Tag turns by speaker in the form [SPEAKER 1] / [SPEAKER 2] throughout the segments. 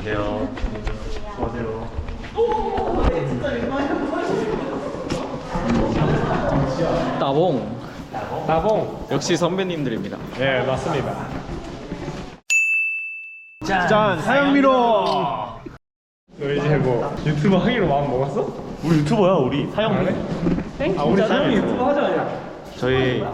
[SPEAKER 1] 안녕하세요. 안녕하세요.
[SPEAKER 2] 따봉.
[SPEAKER 3] 나봉.
[SPEAKER 2] 역시 선배님들입니다.
[SPEAKER 3] 예, 맞습니다.
[SPEAKER 1] 짠, 사영미로.
[SPEAKER 3] 너 이제 뭐 유튜브 하기로 마음 먹었어?
[SPEAKER 1] 우리 유튜버야, 우리 사영미.
[SPEAKER 3] 아, 우리 사람이 유튜브 하자.
[SPEAKER 1] 저희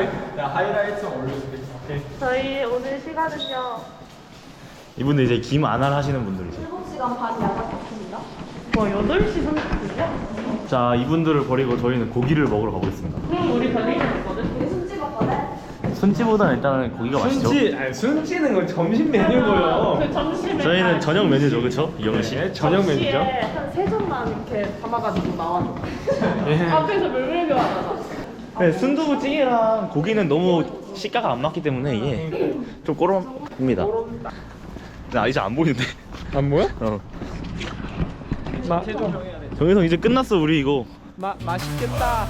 [SPEAKER 4] 저희 오늘 시간은요.
[SPEAKER 1] 이분들 이제 김 안알 하시는 분들이죠.
[SPEAKER 4] 7시간 반 야간입니다. 뭐 8시 30분이요?
[SPEAKER 1] 자, 이분들을 버리고 저희는 고기를 먹으러 가보겠습니다.
[SPEAKER 4] 우리 별일은 있거든? 우리 숨 찍었거든?
[SPEAKER 1] 순찌보다는 일단은 고기가 맛있죠.
[SPEAKER 3] 순찌는 건 점심 메뉴고요.
[SPEAKER 4] 그 점심에
[SPEAKER 1] 저희는 저녁 메뉴죠, 그렇죠? 이영은 씨.
[SPEAKER 3] 네, 저녁 메뉴죠.
[SPEAKER 4] 한 3점만 이렇게 담아가지고 나와줘.
[SPEAKER 3] 예.
[SPEAKER 4] 앞에서 멸멸교환하자.
[SPEAKER 1] 네, 순두부찌개랑 고기는 너무 식가가 안 맞기 때문에 이게 좀 꼬름입니다. 나 이제 안 보이는데.
[SPEAKER 3] 안 보여?
[SPEAKER 1] 정혜성 이제 끝났어, 우리 이거.
[SPEAKER 3] 맛있겠다.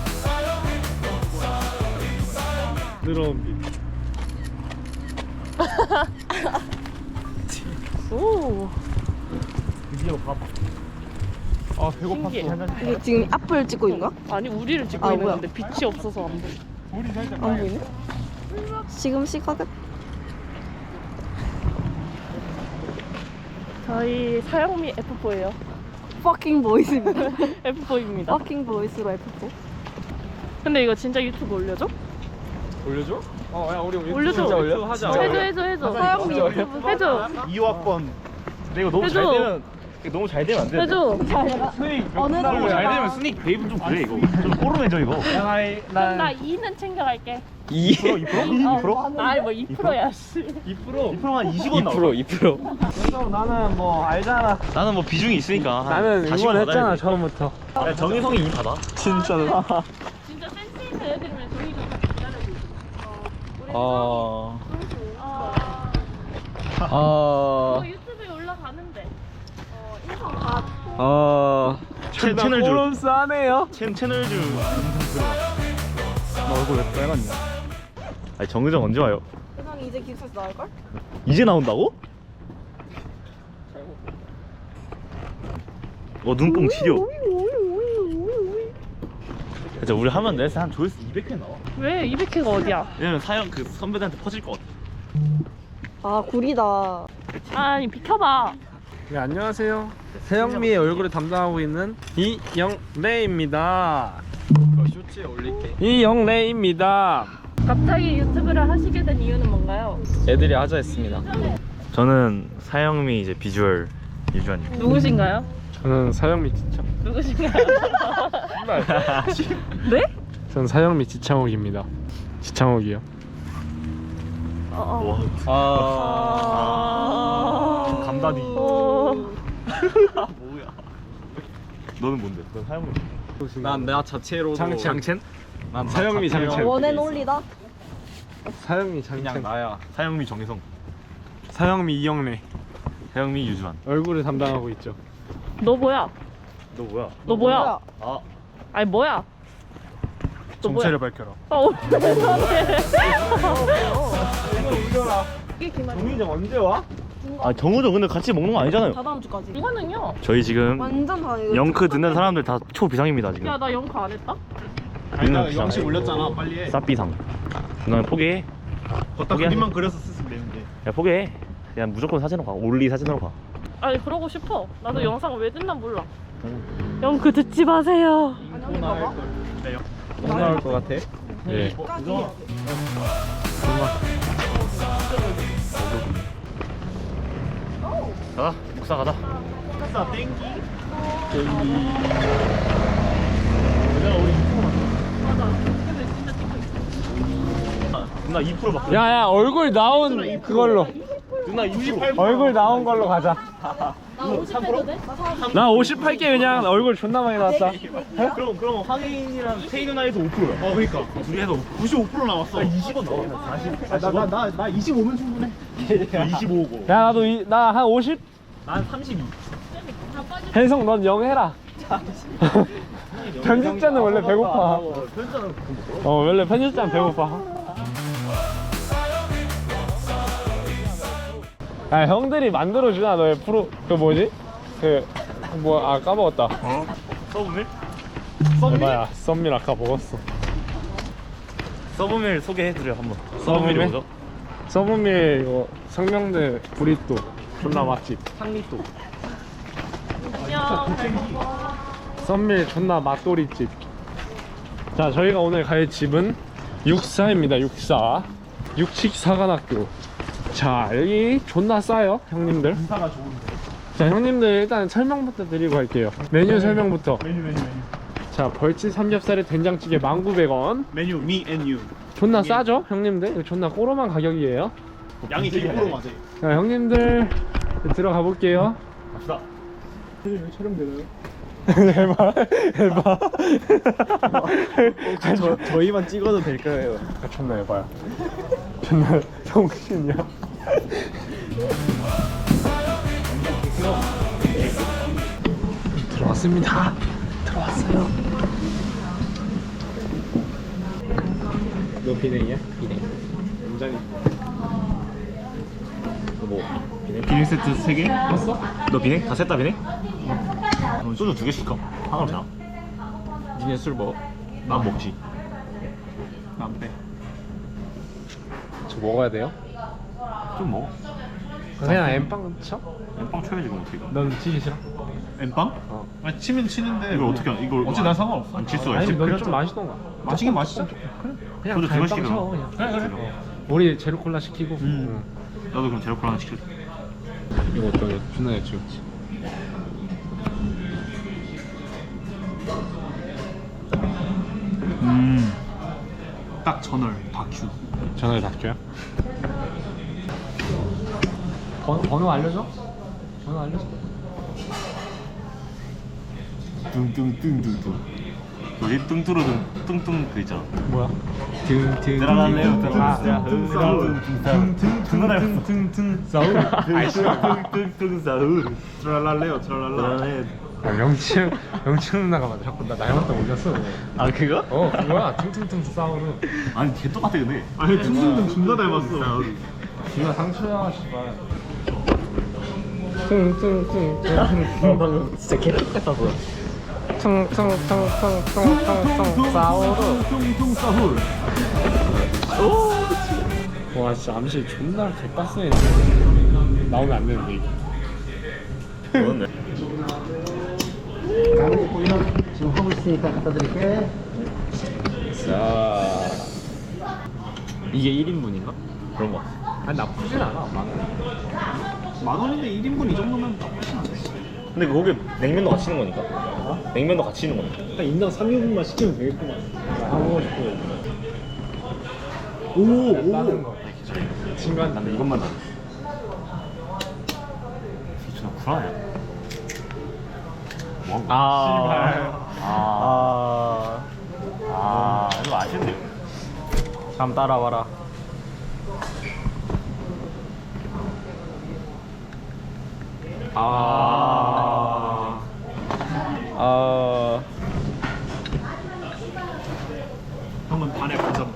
[SPEAKER 3] 늘어온 빛.
[SPEAKER 4] 오.
[SPEAKER 1] 드디어 밥.
[SPEAKER 3] 아, 배고팠어.
[SPEAKER 5] 이게 지금 앞을 찍고 있는 거야?
[SPEAKER 4] 아니 우리를 찍고
[SPEAKER 5] 아,
[SPEAKER 4] 있는
[SPEAKER 5] 뭐야?
[SPEAKER 4] 건데 빛이 없어서 안 보여.
[SPEAKER 3] 우리 살짝
[SPEAKER 5] 안 보이네? 지금 시각은?
[SPEAKER 4] 저희 사영미 F4예요.
[SPEAKER 5] fucking boys입니다.
[SPEAKER 4] F4입니다.
[SPEAKER 5] fucking boys로 F4.
[SPEAKER 4] 근데 이거 진짜 유튜브 올려줘?
[SPEAKER 3] 올려줘? 야, 우리 유튜브
[SPEAKER 4] 올려줘.
[SPEAKER 3] 진짜 올려? 하자.
[SPEAKER 4] 해줘. 사영미 유튜브 해줘.
[SPEAKER 1] 2학번. 근데 이거 너무 잘
[SPEAKER 4] 해줘.
[SPEAKER 1] 되면 이거 너무 잘 되면 안 돼.
[SPEAKER 4] 해줘.
[SPEAKER 5] 어느
[SPEAKER 1] 너무 잘
[SPEAKER 5] 정도?
[SPEAKER 1] 되면 스닉 베이브 좀 그래 이거. 좀 꼬름해져 이거.
[SPEAKER 4] 그럼 나 2는 챙겨갈게.
[SPEAKER 1] 2%? 2%?
[SPEAKER 4] 아니 뭐 2%야 씨.
[SPEAKER 1] 2%만 20원 나와.
[SPEAKER 2] 2%.
[SPEAKER 3] 그래서 나는 뭐 알잖아.
[SPEAKER 1] 나는 뭐 비중이 있으니까.
[SPEAKER 3] 나는
[SPEAKER 1] 40원
[SPEAKER 3] 응원했잖아,
[SPEAKER 1] 받아야 돼.
[SPEAKER 3] 처음부터.
[SPEAKER 1] 야, 정혜성이 2 받아.
[SPEAKER 3] 진짜로.
[SPEAKER 4] 진짜 센스 있는 애들이면 저희 좀 기다려줘. 우리
[SPEAKER 2] 아.
[SPEAKER 4] 이거 유튜브에 올라가는데. 인성 다.
[SPEAKER 1] 채널 줄.
[SPEAKER 3] 꼬름 싸네요.
[SPEAKER 1] 채널 줄. 나 얼굴 왜 빨갛냐? 아니 정의정 언제 와요?
[SPEAKER 5] 세상에 이제 기숙사에서 나올걸?
[SPEAKER 1] 이제 나온다고? 눈뽕 치료. 진짜 우리 하면 내한 조회수 200회 나와.
[SPEAKER 4] 왜 200회가 어디야?
[SPEAKER 1] 왜냐면 사연 그 선배들한테 퍼질 것 같아.
[SPEAKER 5] 아 구리다.
[SPEAKER 4] 아니 비켜봐.
[SPEAKER 3] 네, 안녕하세요. 세영미의 얼굴을 담당하고 있는 이영래입니다.
[SPEAKER 2] 쇼츠에 올릴게.
[SPEAKER 3] 이영래입니다.
[SPEAKER 4] 갑자기 유튜브를 하시게 된 이유는 뭔가요?
[SPEAKER 2] 애들이 하자 했습니다.
[SPEAKER 1] 저는 사영미 이제 비주얼 유주환입니다.
[SPEAKER 4] 누구신가요?
[SPEAKER 3] 저는 사영미 지창.
[SPEAKER 4] 누구신가요? 네?
[SPEAKER 3] 저는 사영미 지창욱입니다. 지창욱이요.
[SPEAKER 1] 와,
[SPEAKER 4] 아...
[SPEAKER 1] 감다디.
[SPEAKER 4] 어...
[SPEAKER 1] 뭐야? 너는 뭔데? 넌 사영미.
[SPEAKER 2] 난 나 자체로
[SPEAKER 3] 장첸.
[SPEAKER 2] 난
[SPEAKER 3] 사영미 장첸.
[SPEAKER 5] 원앤올리다.
[SPEAKER 3] 사영미 장첸.
[SPEAKER 2] 그냥 나야.
[SPEAKER 1] 사영미 정혜성.
[SPEAKER 3] 사영미 이영래.
[SPEAKER 1] 사영미 유주환.
[SPEAKER 3] 얼굴을 담당하고 있죠.
[SPEAKER 4] 너 뭐야?
[SPEAKER 1] 너 뭐야?
[SPEAKER 4] 너 뭐야?
[SPEAKER 1] 아,
[SPEAKER 4] 아니 뭐야? 너
[SPEAKER 3] 정체를 밝혀라. 정희정 언제 와?
[SPEAKER 1] 정우정 근데 같이 먹는 거 아니잖아요.
[SPEAKER 5] 다다음 주까지.
[SPEAKER 4] 이거는요?
[SPEAKER 1] 저희 지금
[SPEAKER 5] 완전 다 이거.
[SPEAKER 1] 영크 듣는 사람들 다 초비상입니다 지금.
[SPEAKER 4] 야 나 영크 안 했다?
[SPEAKER 1] 우리는 비상.
[SPEAKER 2] 영식 올렸잖아. 빨리 해.
[SPEAKER 1] 쌉비상. 누나 포기해.
[SPEAKER 2] 걷다
[SPEAKER 1] 포기해.
[SPEAKER 2] 그림만 그려서 쓰면 되는데.
[SPEAKER 1] 야 포기해. 그냥 무조건 사진으로 가. 올리 사진으로 가.
[SPEAKER 4] 아니 그러고 싶어. 나도 영상 왜 듣나 몰라. 영크 듣지 마세요.
[SPEAKER 2] 못 나올 것 같아.
[SPEAKER 1] 예. 가자. 묵사 가자.
[SPEAKER 2] 사 땡기.
[SPEAKER 1] 누나 2% 받고.
[SPEAKER 3] 야야 얼굴 나온 그걸로.
[SPEAKER 1] 누나 2%.
[SPEAKER 3] 얼굴 나온 걸로 가자.
[SPEAKER 4] 나 50해도 돼?
[SPEAKER 3] 나 58개 그냥 얼굴 존나 많이 나왔다.
[SPEAKER 1] 그럼 황인이랑 태희 누나에서 5%야. 그러니까. 둘이 해서 95% 나왔어. 20원 나와. 40.
[SPEAKER 2] 나 25면 충분해.
[SPEAKER 1] 25고.
[SPEAKER 3] 야 나도 나 한 50.
[SPEAKER 1] 난 32.
[SPEAKER 3] 혜성 넌 0 해라. 편집자는 원래 배고파. 원래 편집자는 배고파. 아 형들이 만들어주나 너의 프로 그 뭐지? 그 뭐 아 까먹었다.
[SPEAKER 1] 어? 서브밀?
[SPEAKER 3] 에바야 썸밀 아까 먹었어.
[SPEAKER 1] 서브밀 소개해드려 한번.
[SPEAKER 3] 서브밀?
[SPEAKER 1] 서브밀이 뭐죠?
[SPEAKER 3] 서브밀 이거 상명대 브리또 존나 맛집.
[SPEAKER 1] 상리또.
[SPEAKER 4] 안녕.
[SPEAKER 3] 썸밀 존나 맛돌이집. 자 저희가 오늘 갈 집은 육사입니다. 육사 육식사관학교. 자 여기 존나 싸요 형님들.
[SPEAKER 2] 인사가 좋은데.
[SPEAKER 3] 자 형님들 일단 설명부터 드리고 갈게요. 메뉴 설명부터.
[SPEAKER 2] 메뉴.
[SPEAKER 3] 자 벌집 삼겹살에 된장찌개 19,100원.
[SPEAKER 2] 메뉴 me and you.
[SPEAKER 3] 존나 싸죠 형님들? 이거 존나 꼬로만 가격이에요.
[SPEAKER 2] 양이 되게 맞아요.
[SPEAKER 3] 자 형님들 들어가 볼게요.
[SPEAKER 1] 갑시다.
[SPEAKER 2] 촬영되나요?
[SPEAKER 3] 해봐.
[SPEAKER 2] 저희만 찍어도 될까요?
[SPEAKER 3] 아, 존나 해봐요. 존나 정신이야. 들어왔습니다. 들어왔어요. 너 비냉이야? 비냉. 굉장히.
[SPEAKER 1] 뭐 비냉?
[SPEAKER 2] 비냉 세트 3개?
[SPEAKER 3] 봤어?
[SPEAKER 1] 너 비냉? 다 셋다 비냉? 소주 2개 시킬까? 하나로 되나?
[SPEAKER 2] 니네 술 먹어?
[SPEAKER 1] 난 먹지.
[SPEAKER 2] 안 빼.
[SPEAKER 3] 저 먹어야 돼요?
[SPEAKER 1] 좀 먹어.
[SPEAKER 3] 그냥 엠빵 쳐?
[SPEAKER 1] 빵 쳐야지 그럼 어떻게.
[SPEAKER 3] 넌 치기 싫어?
[SPEAKER 2] 엠빵?
[SPEAKER 3] 어.
[SPEAKER 2] 아니 치면 치는데
[SPEAKER 1] 이걸 어떻게 하냐? 이걸
[SPEAKER 2] 어차피 난 상관없어.
[SPEAKER 1] 안 칠 수가
[SPEAKER 3] 아니
[SPEAKER 1] 있지.
[SPEAKER 3] 너좀 마시던가.
[SPEAKER 2] 마시긴 마시자.
[SPEAKER 3] 그냥
[SPEAKER 1] 소주
[SPEAKER 3] 다
[SPEAKER 1] 두
[SPEAKER 3] 엠빵
[SPEAKER 1] 번씩
[SPEAKER 3] 쳐 그냥.
[SPEAKER 2] 그래.
[SPEAKER 3] 우리 제로 콜라 시키고.
[SPEAKER 1] 나도 그럼 제로 콜라 하나 시킬게.
[SPEAKER 3] 이거 어떠냐? 존나 예치웠지.
[SPEAKER 2] 딱 전월 다큐.
[SPEAKER 3] 전화를 닫게요. 번호 알려줘? 번호 알려줘.
[SPEAKER 1] 뚱뚱뚱뚱뚱. 뭐지? 뚱뚜루둥 뚱뚱 그 있잖아.
[SPEAKER 3] 뭐야?
[SPEAKER 1] 들어갈래요?
[SPEAKER 3] 퉁퉁퉁퉁퉁퉁퉁퉁 싸우.
[SPEAKER 1] 뚱뚱뚱 싸우.
[SPEAKER 2] 트랄랄레요 트랄랄라.
[SPEAKER 3] 아 명치 누나가 맞아. 자꾸 나 닮았다 올렸어.
[SPEAKER 1] 아 그거?
[SPEAKER 3] 어 그거야. 퉁퉁퉁 싸우는.
[SPEAKER 1] 아니 걔 똑같아 근데.
[SPEAKER 2] 아니 퉁퉁퉁 존나 닮았어.
[SPEAKER 3] 누나 상처야 씨발. 퉁퉁퉁퉁퉁.
[SPEAKER 1] 방금 진짜 걔 똑같았어.
[SPEAKER 3] 퉁퉁퉁퉁퉁퉁 싸우루.
[SPEAKER 2] 퉁퉁 싸울.
[SPEAKER 3] 와 진짜 암시 존나 개빡세. 나오면 안 되는데 이게.
[SPEAKER 1] 그렇네.
[SPEAKER 6] 지금 하고 있으니까 갖다 드릴게.
[SPEAKER 1] 자 이게 1인분인가? 그런 거 같아.
[SPEAKER 3] 아니 나쁘진 않아.
[SPEAKER 2] 만 원인데 1인분 이 정도면 나쁘진 않아.
[SPEAKER 1] 근데 거기 냉면도 같이 있는 거니까? 냉면도 같이 있는 거니까?
[SPEAKER 2] 한 인당 3인분만 시키면 되겠구만.
[SPEAKER 3] 하고 싶고.
[SPEAKER 2] 오.
[SPEAKER 3] 거. 친구한테
[SPEAKER 1] 나는 이것만 나. 진짜 불안해. 뭐 이거 아쉽네요.
[SPEAKER 2] 다음 따라와라. 형은 반에 반잔.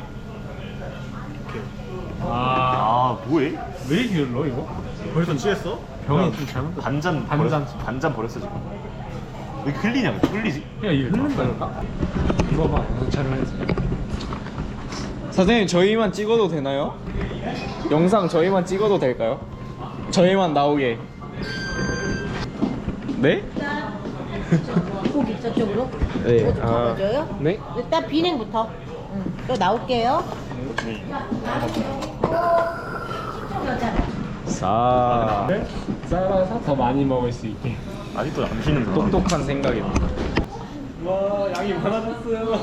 [SPEAKER 1] 뭐해?
[SPEAKER 2] 왜 길러 이거? 벌써 취했어?
[SPEAKER 3] 병이 좀 잘못.
[SPEAKER 1] 반잔 반잔 버렸어 지금. 왜 흘리냐? 왜 흘리지?
[SPEAKER 3] 야 이거 흐른다니까? 이거 봐. 촬영했어.
[SPEAKER 7] 선생님 저희만 찍어도 되나요? 영상 저희만 찍어도 될까요? 저희만 나오게. 네?
[SPEAKER 5] 고기 저쪽으로?
[SPEAKER 7] 네.
[SPEAKER 5] 어디 잡아줘요?
[SPEAKER 3] 네?
[SPEAKER 5] 일단 비냉부터. 또 나올게요.
[SPEAKER 7] 자,
[SPEAKER 3] 썰어서 더 많이 먹을 수 있게.
[SPEAKER 1] 아직도 안 쉬는구나.
[SPEAKER 7] 똑똑한 생각입니다.
[SPEAKER 3] 와 양이 많아졌어요.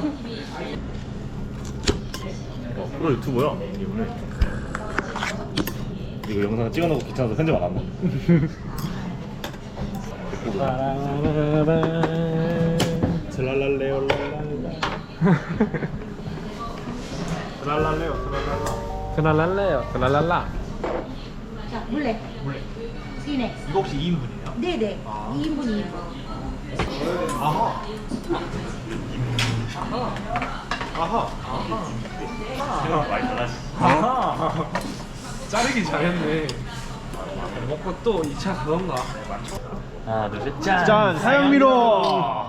[SPEAKER 1] 이거 유튜브야? 이거 영상 찍어놓고 귀찮아서 편집 안 한다.
[SPEAKER 2] 트랄랄레요 트랄랄레요 트랄랄라.
[SPEAKER 3] 트랄랄레요. 트랄랄라.
[SPEAKER 8] 자, 물레. 비냉.
[SPEAKER 2] 이거 혹시 2인분이에요?
[SPEAKER 8] 네네. 2인분 2인분.
[SPEAKER 2] 아하.
[SPEAKER 1] 많이 달라지.
[SPEAKER 3] 자르기 잘했네.
[SPEAKER 7] 먹고 또 2차 가던가.
[SPEAKER 1] 하나 둘셋 짠.
[SPEAKER 2] 짠 사양미로.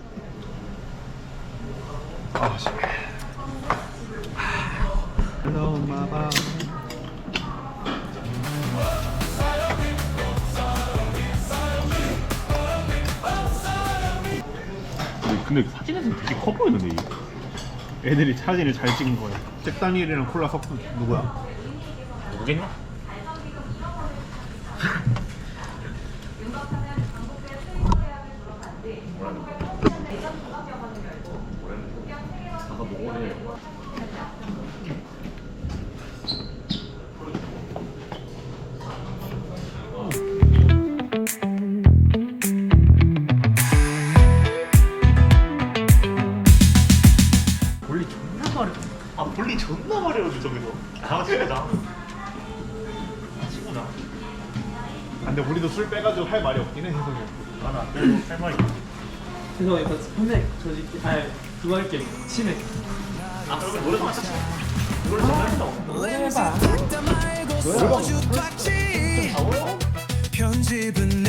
[SPEAKER 1] 근데 사진에서 되게 커 보이는데 이게.
[SPEAKER 2] 애들이 사진을 잘 찍은 거야. 잭 다니엘이랑 콜라 섞은 누구야?
[SPEAKER 1] 모르겠냐? 아 볼리 존나 마려워 저기서. 아 친구다. 친구다.
[SPEAKER 2] 근데 우리도 술 빼가지고 할 말이 없긴 해 해석이.
[SPEAKER 1] 나는 안 빼도 할 말이.
[SPEAKER 7] 죄송해요. 선생 저지 아 그거 할게. 치맥.
[SPEAKER 1] 아 그럼 노래방 하자. 노래 좀 해봐.
[SPEAKER 9] 편집은